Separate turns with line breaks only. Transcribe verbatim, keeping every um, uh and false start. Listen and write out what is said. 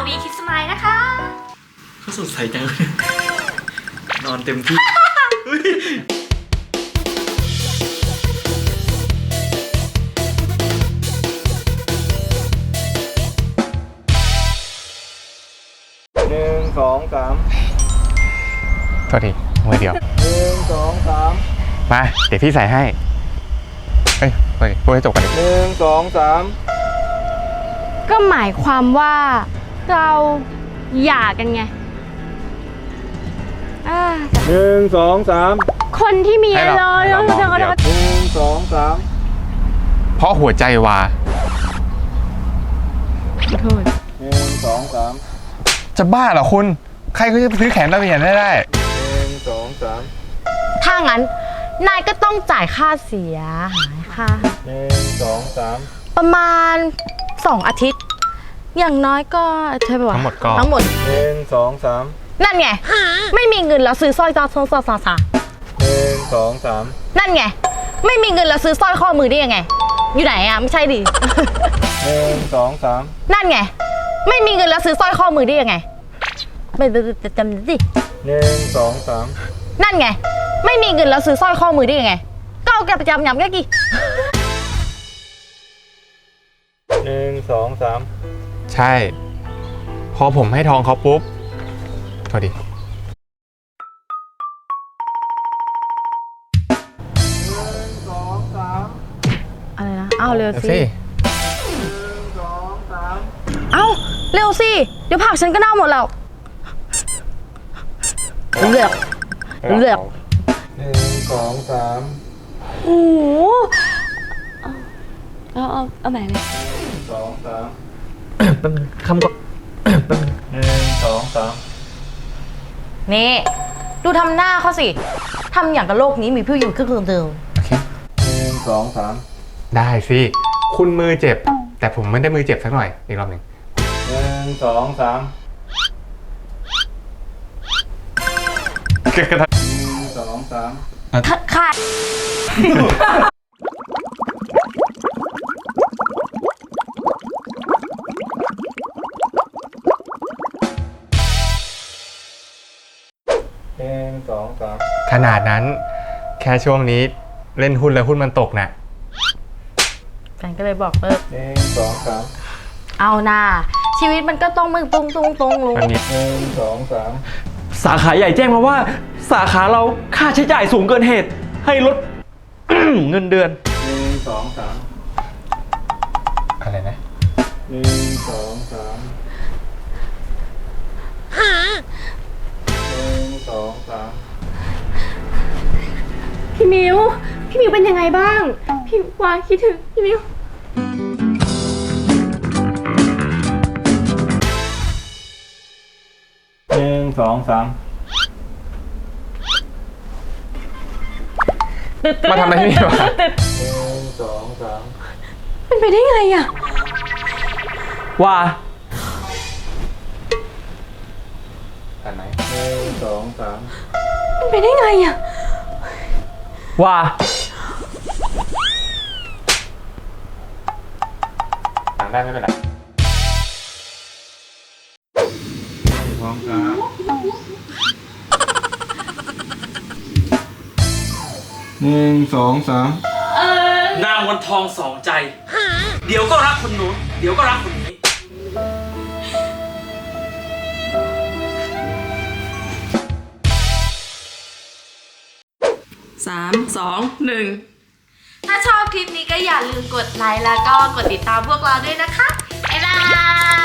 วีคิดสมายนะคะ
เขาสดใสจังเลยนอนเต็มที่
หนึ่งสองสาม
โทษทีมือเดียว
หนึ่งสองสาม
มาเดี๋ยวพี่ใส่ให้เฮ้ยเฮ้ยพูดให้จบกันดิ
หนึ่งสองสาม
ก็หมายความว่าเราหย่ากันไง
หนึ่งสองสาม
คนที่มีอะไร
เรา
เ
มองเดียว
หนึ่งสองสาม
เพราะหัวใจวา
ขอโทษ
หนึ่งสองสาม
จะบ้าเหรอคุณใครก็จะไปซื้อแขนตะเวียนได้ได้
หนึ่งสองสาม
ถ้างั้นนายก็ต้องจ่ายค่าเสียหายค่ะ
หนึ่งสองสาม
ประมาณสองอาทิตย์อย่างน้อยก็เธอบอก
ทั้งหมดก็
ทั้งหมด
หนึ่งสองสาม
นั่นไงไม่มีเงินแล้วซื้อสร้อยจอซอซอซาซา
หนึ่งสองสาม
นั่นไงไม่มีเงินแล้วซื้อสร้อยข้อมือได้ยังไงอยู่ไหนอ่ะไม่ใช่ดิ
หนึ่งสองสาม
นั่นไงไม่มีเงินแล้วซื้อสร้อยข้อมือได้ยังไงไม่จำดิ
หนึ่งสองสาม
นั่นไงไม่มีเงินแล้วซื้อสร้อยข้อมือได้ยังไงก็เอาแกประจำยำแกกี่
หนึ่งสองสาม
ใช่พอผมให้ทองเขาปุ๊บโทษดิ
อะไรนะเอาเร็วสิ
หนึ่งสองสาม
เอาเร็วสิเดี๋ยวผักฉันก็เน่าหมดแล้วเลือกเลือก
หนึ่งสองสาม
โอ้โหเอาเอาเอาไหนเลย
สองสาม
เป็นคำก็เป็น
หนึ่งสองสาม
นี่ดูทำหน้าเขาสิทำอย่างกับโลกนี้มีผู้อยู่แค่คนเดียว
โอเค
หนึ่งสองสาม
ได้สิคุณมือเจ็บแต่ผมไม่ได้มือเจ็บสักหน่อยอีกรอบหนึ่ง
หนึ่งสองสาม
หนึ่
งสองสาม
ค่ะ
หนึ่งสองสาม
ขนาดนั้นแค่ช่วงนี้เล่นหุ้นแล้วหุ้นมันตกน่ะ
แฟนก็เลยบอกเลิก
หนึ่งสองสาม
เอาหน้าชีวิตมันก็ต้องมึงตรงตรงตรงลง
หนึ่งสองสาม
สาขาใหญ่แจ้งมาว่าสาขาเราค่าใช้จ่ายสูงเกินเหตุให้ลด เงินเดือน
หนึ่งสองสาม
อะไรนะ
หนึ่งสองสามหนึ่งสองสาม
พี่มิวพี่มิวเป็นยังไงบ้างพี่วาคิดถึงพี่มิว
หนึ่งสองสาม
มาทำอะไรที่นี่วะ
หนึ่งสองสาม
เป็นไปได้ไงอ่ะ
ว่า
อันไหน
หนึ่งสองสาม
เป็นไปได้ไงอ่ะ
ว่า
ต่างได้ไม่เป็นไร
สองสามหนึ่งสองสาม
นางวันทองสองใจเดี๋ยวก็รักคนนู้นเดี๋ยวก็รักคนนี้
สามสองหนึ่ง
ถ้าชอบคลิปนี้ก็อย่าลืมกดไลค์แล้วก็กดติดตามพวกเราด้วยนะคะบ๊ายบาย